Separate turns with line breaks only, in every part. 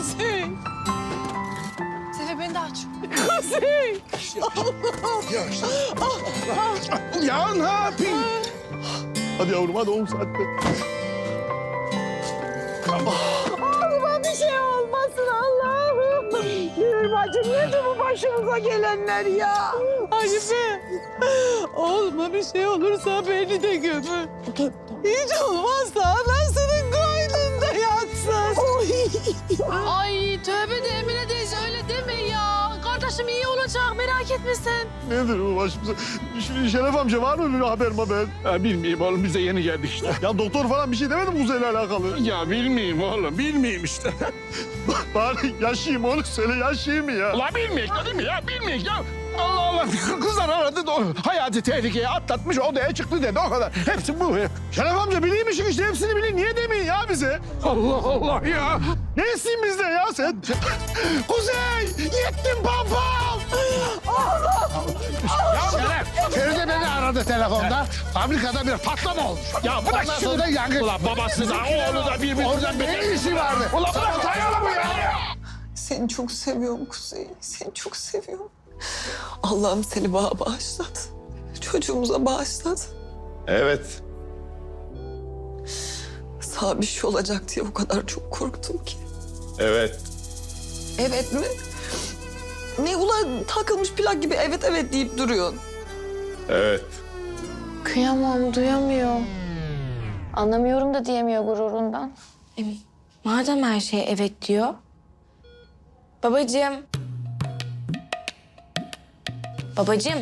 Kuzey. Sefer beni de aç.
Kuzey.
Ya ne yapayım? Hadi yavrum hadi 10 saatte.
Oğluma bir şey olmasın Allah'ım. Gülür bacım nedir bu başımıza gelenler ya?
Hanife. Oğluma bir şey olursa beni de gömün. Hiç olmazsa anasının koynunda yatsın.
Ay tövbe de Emine teyze öyle deme ya. Kardeşim iyi olacak merak etme sen.
Nedir bu başımıza? Şimdi Şeref amca var mı bir haber haber?
Bilmeyeyim oğlum biz de yeni geldik işte.
Ya doktor falan bir şey demedi mi Kuzey'le alakalı?
Ya bilmeyeyim oğlum bilmeyeyim işte.
Bari yaşayayım onu söyle yaşayayım mı ya?
Ulan bilmeyek dedim mi ya bilmeyek ya. Allah Allah kızlar aradı da hayati tehlikeye atlatmış odaya çıktı dedi o kadar. Hepsi bu.
Şeref amca bileymişsin işte hepsini bilin. Niye demeyin ya bize?
Allah Allah ya.
Ne etsin bizde ya sen? Kuzey! Yettim pampam!
Ya Şeref, Feride beni aradı telefonda. Fabrikada bir patlama olmuş. Ya bu da sonra yangın. Ulan babası da oğlu da birbirinden beter. Ne işi vardı? Ulan bırak dayanır mı ya?
Seni çok seviyorum Kuzey. Seni çok seviyorum. Allah'ım seni bana bağışlat. Çocuğumuza bağışlat.
Evet.
Sağ bir şey olacak diye o kadar çok korktum ki.
Evet.
Evet mi? Ne ulan takılmış plak gibi evet evet deyip duruyorsun.
Evet.
Kıyamam duyamıyor. Anlamıyorum da diyemiyor gururundan. Madem her şeye evet diyor. Babacığım. Babacığım.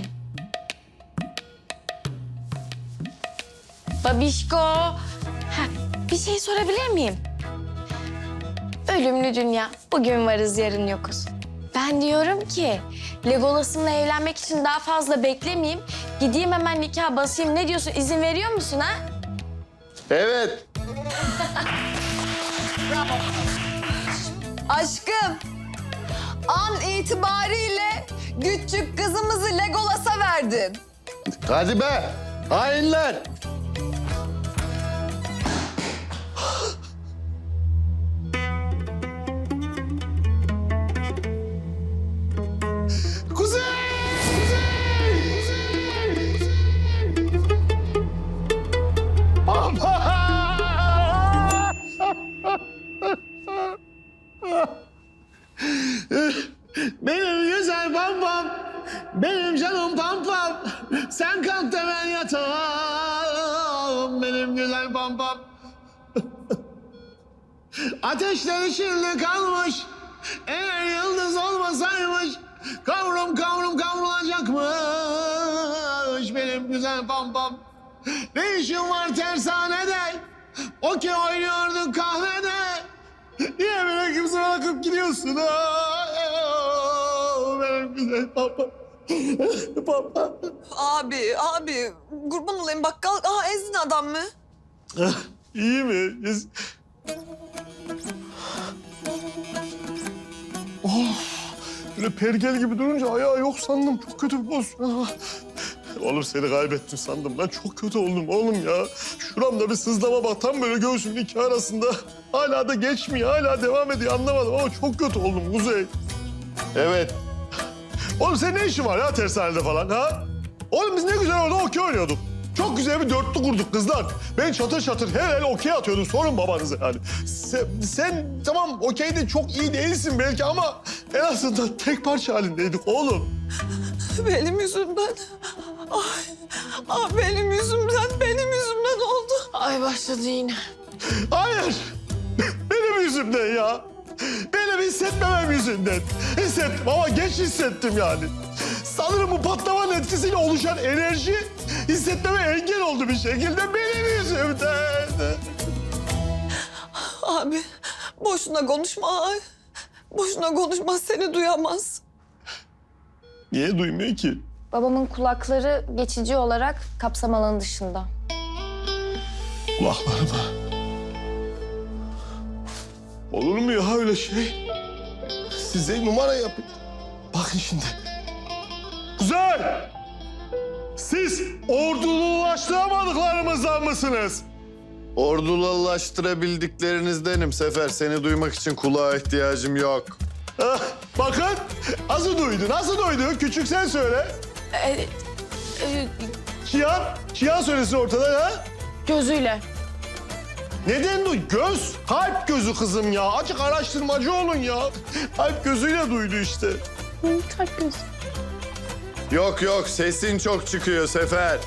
Babişko. Bir şey sorabilir miyim? Ölümlü dünya. Bugün varız, yarın yokuz. Ben diyorum ki Legolas'ımla evlenmek için daha fazla beklemeyeyim. Gideyim hemen nikah basayım. Ne diyorsun? İzin veriyor musun ha?
Evet.
Aşkım, an itibariyle küçük kızımızı Legolas'a verdin.
Hadi be. Hainler. Kuzey!
Benim güzel pampam, benim canım pampam. Sen kalk da ben yatamam, benim güzel pampam. Ateşler içinde kalmış, eğer yıldız olmasaymış, kavrum kavrum kavrulacakmış benim güzel pampam. Ne işin var tersanede, okey oynuyorduk kahvede. Niye beni kimse bırakıp gidiyorsun? Benim güzel pampam. Pampam.
Abi, kurban olayım bakkal. Aha ezdin adam mı?
İyi mi? Böyle pergel gibi durunca ayağı yok sandım. Çok kötü bir pozisyon. Oğlum seni kaybettim sandım. Ben çok kötü oldum oğlum ya. Şuramda bir sızlama bak. Tam böyle göğsümün iki arasında. Hala da geçmiyor. Hala devam ediyor. Anlamadım ama çok kötü oldum Kuzey. Evet. Oğlum senin ne işin var ya tersanede falan ha? Oğlum biz ne güzel orada okey oynuyorduk. Çok güzel bir dörtlü kurduk kızlar. Ben çatır çatır her el okey atıyordum. Sorun babanıza yani. Sen tamam okeyde çok iyi değilsin belki ama en azından tek parça halindeydik oğlum.
Benim yüzümden. Benim yüzümden oldu.
Ay başladı yine.
Hayır. Benim yüzümden ya. Benim hissetmemem yüzünden. Hissettim ama geç hissettim yani. Sanırım bu patlamanın etkisiyle oluşan enerji hissetmeme engel oldu bir şekilde benim yüzümden.
Abi boşuna konuşma. Boşuna konuşma seni duyamaz.
Niye duymuyor ki?
Babamın kulakları geçici olarak kapsam alanı dışında.
Kulaklarıma. Olur mu ya öyle şey? Size numara yapın. Bakın şimdi. Güzel. Siz ordululaştıramadıklarımızdan mısınız?
Ordululaştırabildiklerinizdenim Sefer. Seni duymak için kulağa ihtiyacım yok.
Hah, bakın nasıl duydu, nasıl duydu? Küçük sen söyle. Çiyan söylesin ortada ha?
Gözüyle.
Neden duy? Göz, kalp gözü kızım ya. Açık araştırmacı olun ya. Kalp gözüyle duydu işte.
Kalp gözü.
Yok yok, sesin çok çıkıyor Sefer.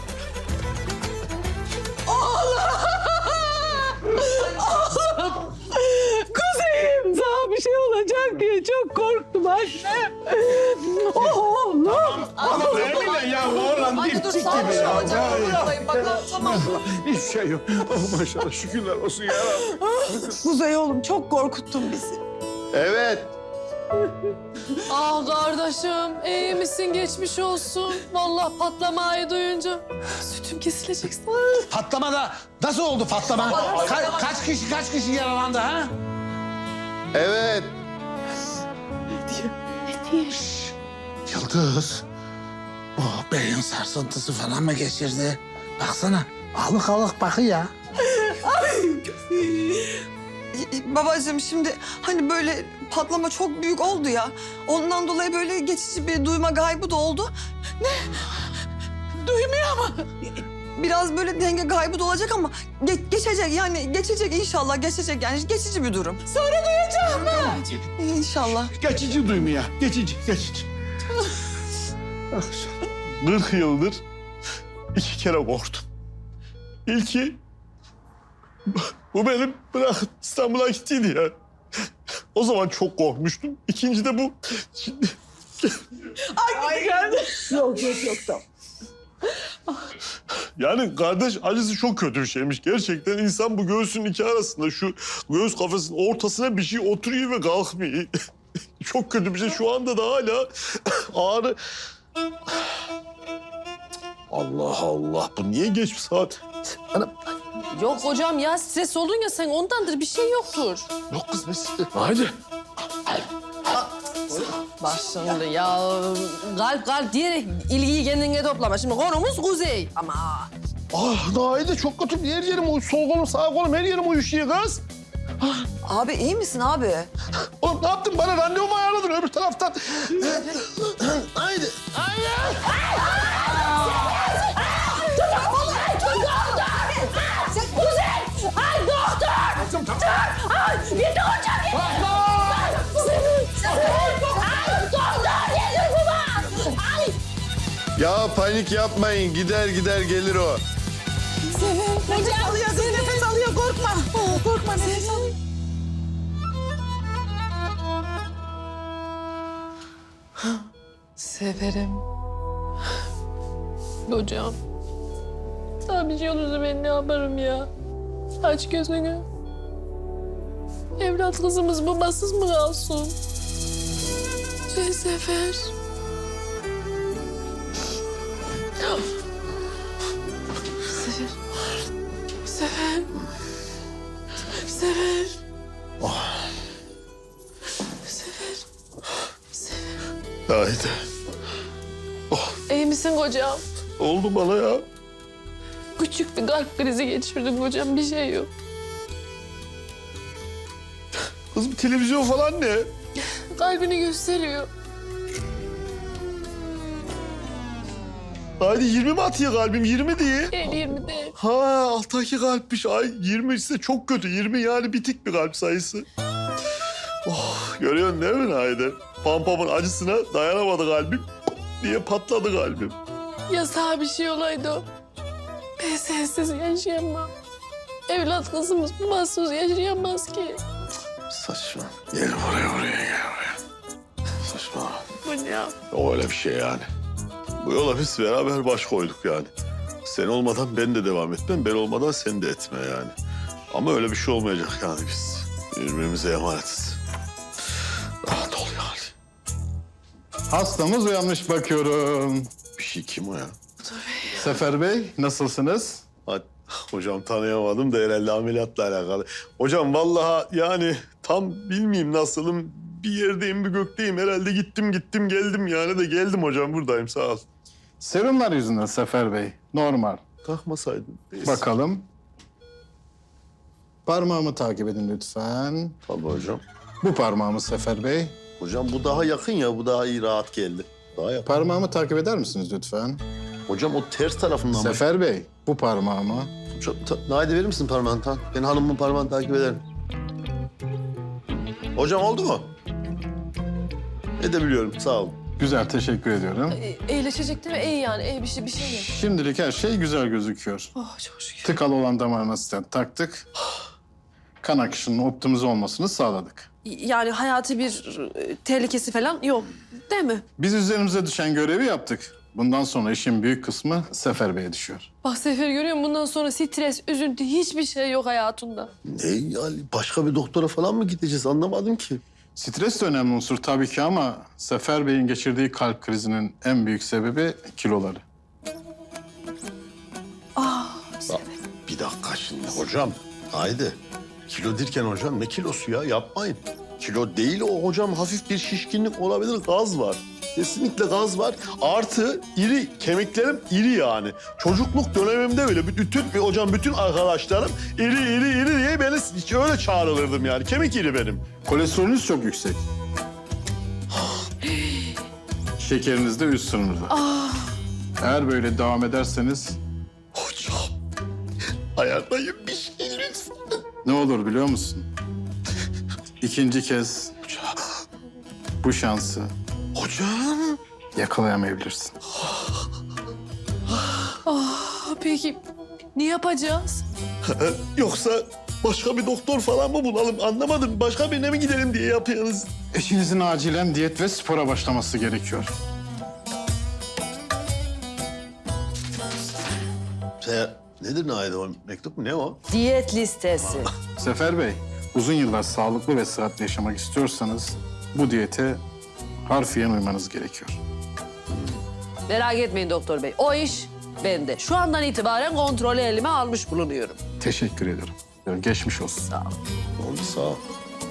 Kuzeyim sana bir şey olacak diye çok korktum anne. Oğlum.
Ya oğlan
Hadi dur sağ ol hocam. Buradayım bak tamam.
Hiçbir şey yok. Oh, maşallah şükürler olsun ya Rabbi.
Kuzey oğlum çok korkuttun bizi.
Evet.
Ah kardeşim, iyi misin? Geçmiş olsun. Vallahi patlamayı duyunca sütüm kesilecek.
Patlama da nasıl oldu patlama? Kaç kişi yaralandı ha?
Evet.
Şş, Yıldız. Bu beyin sarsıntısı falan mı geçirdi? Baksana alık alık bakıyor ya.
Babacığım şimdi hani böyle patlama çok büyük oldu ya. Ondan dolayı böyle geçici bir duyma kaybı da oldu. Ne? Duymuyor mu? Biraz böyle denge kaybı da olacak ama geçecek yani geçecek inşallah geçecek yani geçici bir durum. Sonra duyacak mı? İnşallah.
Geçici duymuyor. Geçici.
40 yıldır 2 kere korktum. İlki bu benim bırakıp İstanbul'a gittiydi ya. O zaman çok korkmuştum. İkinci de bu. Şimdi...
Yok tamam.
Yani kardeş acısı çok kötü bir şeymiş. Gerçekten insan bu göğsünün iki arasında şu göğüs kafesinin ortasına bir şey oturuyor ve kalkmıyor. Çok kötü bir şey. Şu anda da hala ağrı... Allah Allah. Bu niye geç bir saat?
Yok hocam ya, stres oldun ya sen, ondandır, bir şey yoktur.
Yok kız ne size? Haydi.
Bak şimdi ya, kalp diyerek ilgiyi kendine toplama. Şimdi konumuz Kuzey ama...
Ah Naide çok kötü. Her yerim sol kolum sağ kolum her yerim uyuşuyor kız.
Abi iyi misin abi?
Oğlum ne yaptın? Bana randevu mu ayarladın öbür taraftan? Haydi.
Ya panik yapmayın. Gider gelir o.
Nefes alıyor kız nefes alıyor korkma. Korkma nefes alıyor.
Severim. Hocam. Sana bir şey olursa ben ne yaparım ya? Aç gözünü. Evlat kızımız babasız mı kalsın? Sefer. Sefer. Sefer.
Naide.
İyi misin kocam?
Oldu bana ya.
Küçük bir kalp krizi geçirdim hocam, bir şey yok.
Kızım televizyon falan ne?
Kalbini gösteriyor.
Naide 20 mi atıyor kalbim? 20 diye.
20'de.
Ha alttaki kalpmiş. Ay 20 ise çok kötü. 20 yani bitik bir kalp sayısı. Oh, görüyorsun değil mi Naide? Pampamın acısına dayanamadı kalbim diye patladı kalbim.
Ya sana bir şey olaydı, ben sensiz yaşayamam. Evlat kızımız babasız yaşayamaz ki.
Saçma. Gel buraya gel buraya. Saçma.
Bu ne ya?
O öyle bir şey yani. Bu yola biz beraber baş koyduk yani. Sen olmadan ben de devam etmem, ben olmadan sen de etme yani. Ama öyle bir şey olmayacak yani biz. Birbirimize emanetiz. Rahat ol yani.
Hastamız uyanmış bakıyorum.
Bir şey kim o ya?
Sefer Bey, nasılsınız?
Hocam tanıyamadım da herhalde ameliyatla alakalı. Hocam vallahi yani tam bilmeyeyim nasılım. Bir yerdeyim, bir gökteyim. Herhalde gittim geldim yani de geldim hocam buradayım sağ ol.
Serumlar yüzünden Sefer Bey, normal.
Takmasaydın. Neyse.
Bakalım. Parmağımı takip edin lütfen.
Tabii hocam.
Bu parmağımı Sefer Bey.
Hocam bu daha yakın ya, bu daha iyi, rahat geldi. Daha yakın.
Parmağımı takip eder misiniz lütfen?
Hocam o ters tarafından mı?
Sefer Bey, bu parmağımı.
Naide verir misin parmağını? Tamam. Ben hanımımın parmağını takip ederim. Hocam oldu mu? Edebiliyorum, sağ olun.
Güzel, teşekkür ediyorum.
İyileşecek değil mi? İyi yani. İyi bir şey yok.
Şimdilik her şey güzel gözüküyor.
Oh çok şükür.
Tıkalı olan damarına stent taktık. Kan akışının optimize olmasını sağladık.
Yani hayati bir tehlikesi falan yok değil mi?
Biz üzerimize düşen görevi yaptık. Bundan sonra işin büyük kısmı Sefer Bey'e düşüyor.
Bak Sefer görüyor musun? Bundan sonra stres, üzüntü hiçbir şey yok hayatında.
Ne yani, başka bir doktora falan mı gideceğiz, anlamadım ki.
Stres de önemli unsur tabii ki ama Sefer Bey'in geçirdiği kalp krizinin en büyük sebebi kiloları.
Bir dakika şimdi hocam. Haydi. Kilo derken hocam ne kilosu ya, yapmayın. Kilo değil o hocam, hafif bir şişkinlik olabilir, gaz var. Kesinlikle gaz var. Artı iri, kemiklerim iri yani. Çocukluk dönemimde böyle bütün arkadaşlarım iri diye beni öyle çağrılırdım yani. Kemik iri benim.
Kolesterolünüz çok yüksek. Şekeriniz de üst sınırda. Eğer böyle devam ederseniz
Hocam, ayarlayın bir şey lütfen.
ne olur biliyor musun? İkinci kez bu şansı
Hocam.
yakalayamayabilirsin.
Peki ne yapacağız?
Yoksa başka bir doktor falan mı bulalım, anlamadım. Başka birine mi gidelim diye yapıyoruz.
Eşinizin acilen diyet ve spora başlaması gerekiyor.
Nedir Naide o mektup mu, ne o?
Diyet listesi.
Sefer Bey, uzun yıllar sağlıklı ve sıhhatli yaşamak istiyorsanız bu diyete harfiyen uymanız gerekiyor.
Merak etmeyin doktor bey. O iş bende. Şu andan itibaren kontrolü elime almış bulunuyorum.
Teşekkür ederim. Geçmiş olsun.
Sağ olun.
Oldu, sağ ol.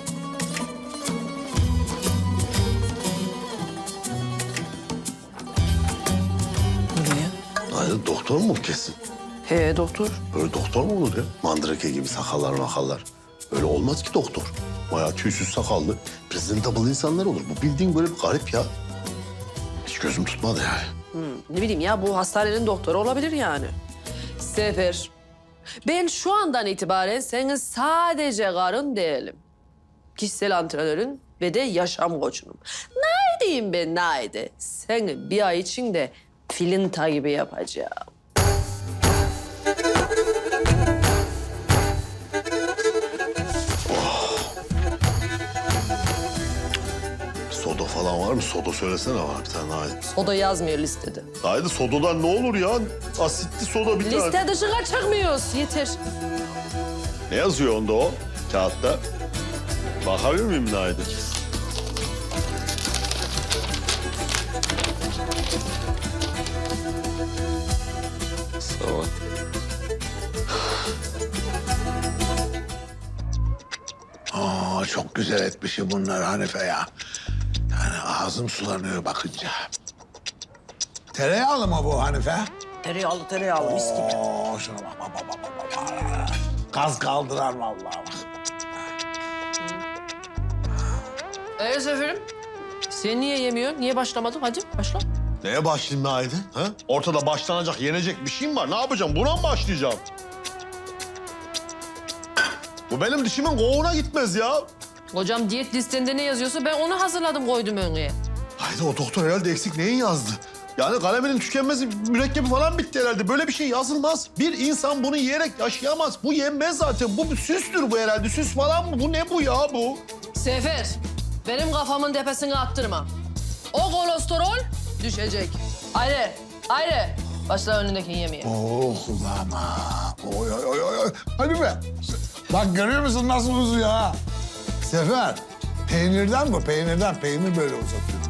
Naide doktor mu kesin?
He doktor.
Böyle doktor mu olur ya? Mandrake gibi sakallar makallar. Öyle olmaz ki doktor. Bayağı tüysüz sakallı, presentable insanlar olur. Bu bildiğin böyle bir garip ya. Hiç gözüm tutmadı yani.
Ne bileyim ya, bu hastanenin doktoru olabilir yani. Sefer, ben şu andan itibaren senin sadece karın değilim. Kişisel antrenörün ve de yaşam koçunum. Naide'yim ben, Naide. Seni bir ay içinde filinta gibi yapacağım.
Soda falan var mı? Soda söylesene bana bir tane Naide.
O da yazmıyor listede.
Naide sodadan ne olur ya? Asitli soda bir tane.
Liste dışına çıkmıyoruz. Yeter.
Ne yazıyor onda o kağıtta? Bakabilir miyim Naide? Sağ ol.
Çok güzel etmişim bunlar Hanife ya. Yani ağzım sulanıyor bakınca. Tereyağlı mı bu Hanife?
Tereyağlı mis gibi.
Oo, şuna bak. Gaz kaldırar vallahi bak.
Seferim. Sen niye yemiyorsun? Niye başlamadın? Hadi başla.
Neye başlayayım Naide? Ha? Ortada başlanacak, yenecek bir şeyim var. Ne yapacağım? Buna mı başlayacağım? Bu benim dişimin kovuğuna gitmez ya.
Hocam diyet listende ne yazıyorsa ben onu hazırladım, koydum önüne.
Haydi o doktor herhalde eksik neyin yazdı? Yani kaleminin tükenmez mürekkebi falan bitti herhalde. Böyle bir şey yazılmaz. Bir insan bunu yiyerek yaşayamaz. Bu yenmez zaten. Bu bir süstür bu herhalde. Süs falan mı? Bu ne bu ya bu?
Sefer, benim kafamın tepesine attırma. O kolesterol düşecek. Haydi. Başla önündekini yemeye.
Oh kulağıma. Oy oy oy oy. Hanife. Bak görüyor musun nasıl uzuyor ha? Sefer. Peynirden bu, peynirden. Peynir böyle uzatıyor.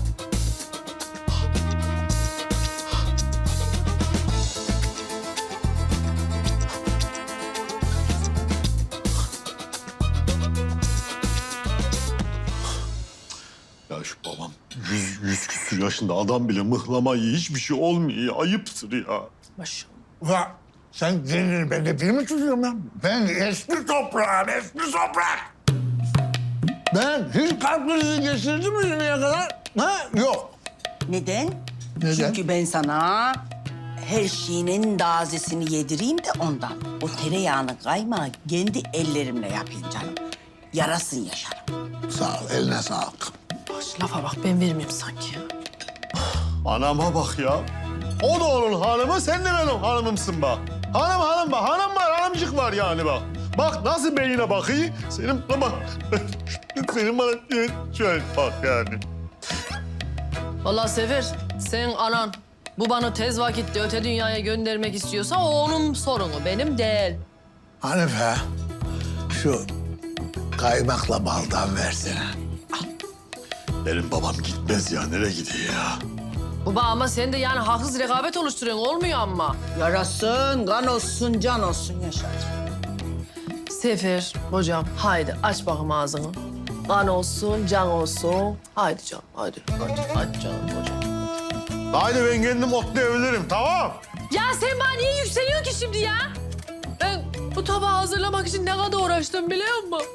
Ya şu babam 100 küsür yaşında adam bile mıhlama yiyor. Hiçbir şey olmuyor ya. Ayıptır ya.
Maşallah.
Ulan Sen kendini bende bir mi tutuyorsun lan? Ben eski toprağım, eski toprak. Ben hiç kalp krizi geçirdim mi şimdiye kadar? Ha? Yok.
Neden?
Neden?
Çünkü ben sana her şeyinin tazesini yedireyim de ondan. O tereyağını kaymağı kendi ellerimle yapayım canım. Yarasın yaşarım.
Sağ ol, eline sağlık.
Lafa bak ben vermeyeyim sanki ya.
Anama bak ya. O da onun hanımı, sen de benim hanımımsın bak. Hanım bak, hanım var, hanımcık var yani bak. Bak nasıl beynine bakıyor, senin bana... senin bana şöyle bak yani.
Vallahi Sefer, sen anan bu bana tez vakitte öte dünyaya göndermek istiyorsa o onun sorunu, benim değil.
Hanife, şu kaymakla baldan versene.
Benim babam gitmez ya, nereye gidiyor ya?
Baba ama sen de yani haksız rekabet oluşturuyorsun, olmuyor ama.
Yarasın, kan olsun, can olsun yaşarım.
Sefer, hocam haydi aç bakayım ağzını. Kan olsun, can olsun. Haydi canım, haydi canım hocam.
Haydi ben kendim otlayabilirim, tamam?
Ya sen bana niye yükseliyorsun ki şimdi ya? Ben bu tabağı hazırlamak için ne kadar uğraştım biliyor musun?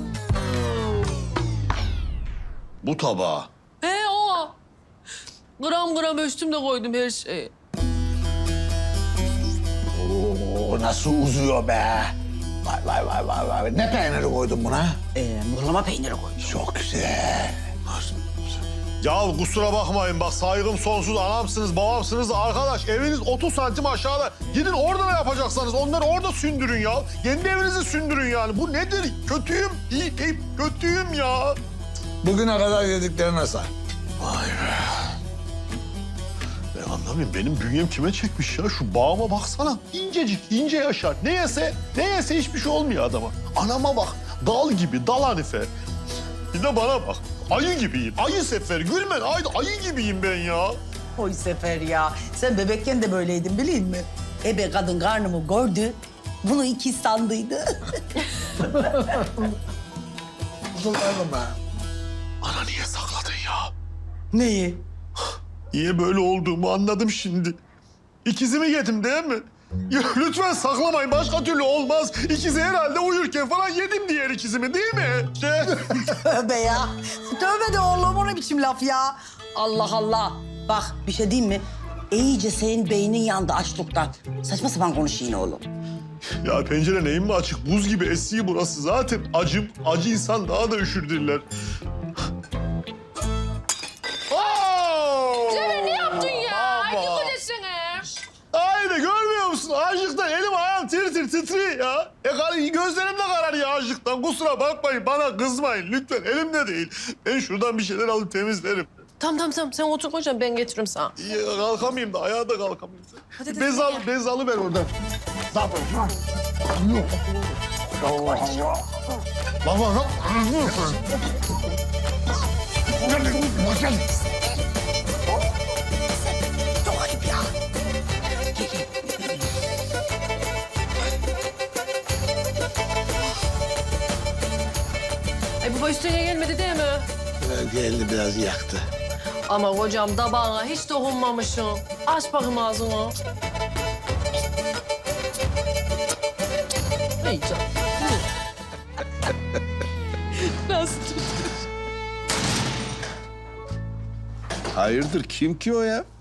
Bu tabağa.
He o. Gram gram ölçtüm de koydum her şeyi.
Oo, nasıl uzuyor be? Vay. Ne peyniri koydun buna?
Mıhlama peyniri koydum.
Çok güzel.
Ya kusura bakmayın bak saygım sonsuz, anamsınız, babamsınız da arkadaş eviniz 30 santim aşağıda. Gidin orada ne yapacaksanız onları orada sündürün ya. Kendi evinizi sündürün yani. Bu nedir? Kötüyüm, kötüyüm ya.
Bugüne kadar yediklerine say.
Vay be. Ben anlamıyorum. Benim bünyem kime çekmiş ya? Şu bağıma baksana. İncecik, ince yaşar. Ne yese hiçbir şey olmuyor adama. Anama bak. Dal gibi, dal Hanife. Bir de bana bak. Ayı gibiyim. Ayı Sefer. Gülmen ayı gibiyim ben ya.
Oy Sefer ya, sen bebekken de böyleydin bileyim mi? Ebe kadın karnımı gördü, bunu ikiz sandıydı.
Kızıllarım be.
Ana niye sakladın ya?
Neyi?
Niye böyle olduğumu anladım şimdi. İkizimi yedim değil mi? Ya lütfen saklamayın. Başka türlü olmaz. İkizi herhalde uyurken falan yedim diğer ikizimi değil mi?
Tövbe ya. Tövbe de oğlum, o ne biçim laf ya? Allah Allah. Bak bir şey diyeyim mi? İyice senin beynin yandı açlıktan. Saçma sapan konuş yine oğlum.
Ya pencere neyin mi açık? Buz gibi esiyor burası. Zaten acı insan daha da üşürdürler.
Sefer ne yaptın ya?
Baba.
Ayıp desene.
Haydi görmüyor musun? Açlıktan elim ayağım titriyor ya. Gözlerim de kararıyor açlıktan. Kusura bakmayın, bana kızmayın lütfen. Elimde değil. Ben şuradan bir şeyler alıp temizlerim.
Tamam sen otur hocam ben getiririm sana.
Ya, kalkamayayım da ayağa da kalkamayayım.
Hadi,
Bez alıver oradan.
Baba,
Çok ayıp ya.
Baba üstüne gelmedi değil mi?
geldi biraz yaktı.
Ama hocam tabağına hiç dokunmamışsın. Aç bakayım ağzını. İyi canım. Nasıl?
Hayırdır kim ki o ya?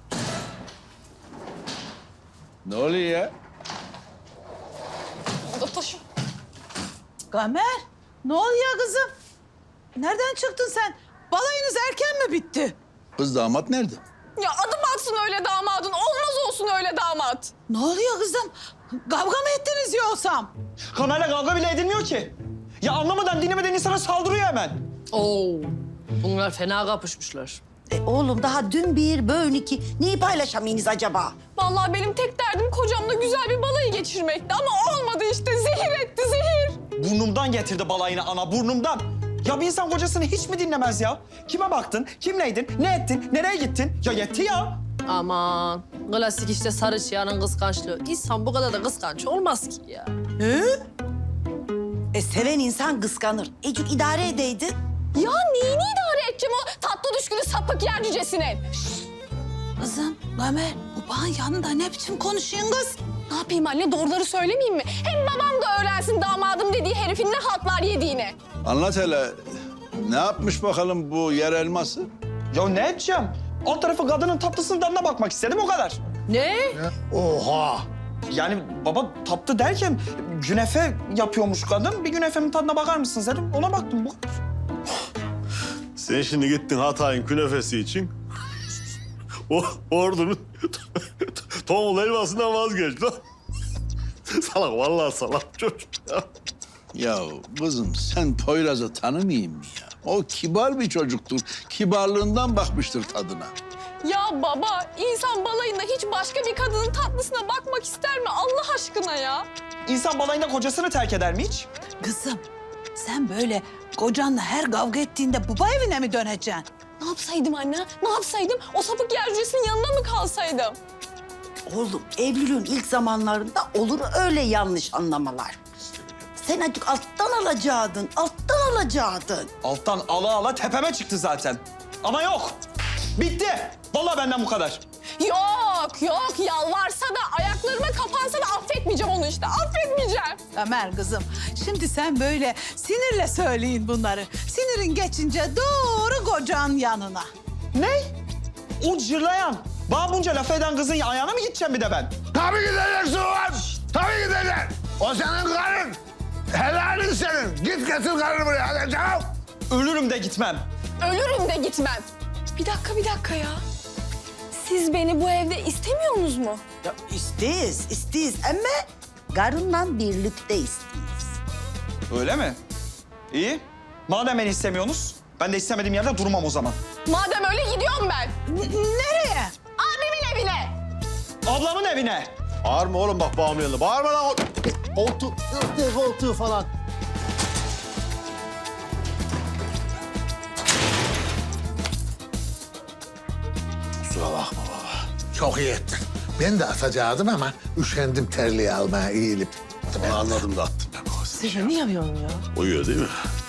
Ne oluyor ya?
Gamer, ne oluyor kızım? Nereden çıktın sen? Balayınız erken mi bitti?
Kız damat nerede?
Ya adım atsın öyle damadın. Olmaz olsun öyle damat.
Ne oluyor kızım? Kavga mı ettiniz yoksam?
Kamerayla kavga bile edilmiyor ki. Ya anlamadan dinlemeden insana saldırıyor hemen.
Oo, bunlar fena kapışmışlar.
Oğlum daha dün bir, bugün iki. Neyi paylaşamayınız acaba?
Vallahi benim tek derdim kocamla güzel bir balayı geçirmekti ama olmadı işte. Zehir etti zehir.
Burnumdan getirdi balayını ana, burnumdan. Ya bir insan kocasını hiç mi dinlemez ya? Kime baktın, kimleydin, ne ettin, nereye gittin? Ya yetti ya.
Aman, klasik işte sarı çıyanın kıskançlığı. İnsan bu kadar da kıskanç olmaz ki ya.
Seven insan kıskanır. Ecuk idare edeydi.
Ya neyini idare edeceğim o tatlı düşkünü sapık yer cücesinin?
Kızım, Gamer, bu bağın yanında ne biçim konuşuyorsun kız?
Ne yapayım anne, doğruları söylemeyeyim mi? Hem babam da öğrensin damadım dediği herifin ne haltlar yediğini.
Anlat hele. Ne yapmış bakalım bu yer elması?
Ya ne edeceğim? Alt tarafı kadının tatlısının tadına bakmak istedim, o kadar.
Ne?
Oha!
Yani baba tatlı derken günefe yapıyormuş kadın. Bir günefemin tadına bakar mısınız dedim. Ona baktım bu.
Sen şimdi gittin Hatay'ın künefesi için. O ordunun tombul helvasından vazgeç lan. Salak, vallahi salak çocuk ya.
Ya kızım sen Poyraz'ı tanımayayım mı ya? O kibar bir çocuktur. Kibarlığından bakmıştır tadına.
Ya baba, insan balayında hiç başka bir kadının tatlısına bakmak ister mi Allah aşkına ya?
İnsan balayında kocasını terk eder mi hiç?
Kızım sen böyle kocanla her kavga ettiğinde baba evine mi döneceksin?
Ne yapsaydım anne? Ne yapsaydım? O sapık yercüsünün yanında mı kalsaydım?
Oğlum evliliğin ilk zamanlarında olur öyle yanlış anlamalar. Sen azıcık alttan alacaktın, alttan alacaktın.
Alttan ala ala tepeme çıktı zaten. Ama yok. Bitti. Vallahi benden bu kadar.
Yok, yalvarsa da ayaklarıma kapansa da affetmeyeceğim onu işte. Affetmeyeceğim.
Ömer kızım şimdi sen böyle sinirle söyleyin bunları. Sinirin geçince doğru kocanın yanına.
Ne? O cırlayan, bana bunca laf eden kızın ayağına mı gideceğim bir de ben?
Tabii gideceksin ulan! Tabii gideceksin! O senin karın! Helalin senin! Git getir karını buraya hadi canım!
Ölürüm de gitmem.
Ölürüm de gitmem. Bir dakika ya. Siz beni bu evde istemiyorsunuz mu?
Ya isteyiz ama karınla birlikte isteyiz.
Öyle mi? İyi. Madem beni istemiyorsunuz, ben de istemediğim yerde durmam o zaman.
Madem öyle gidiyorum ben.
Nereye?
Abimin evine.
Ablamın evine.
Bağırma oğlum bak bağımın yanında. Bağırma lan. Koltuğu falan.
Kusura bakma baba. Çok iyi ettin. Ben de atacaktım ama üşendim terliği almaya eğilip.
Onu anladım da attım ben.
Sefer ne yapıyorsun ya?
Uyuyor değil mi?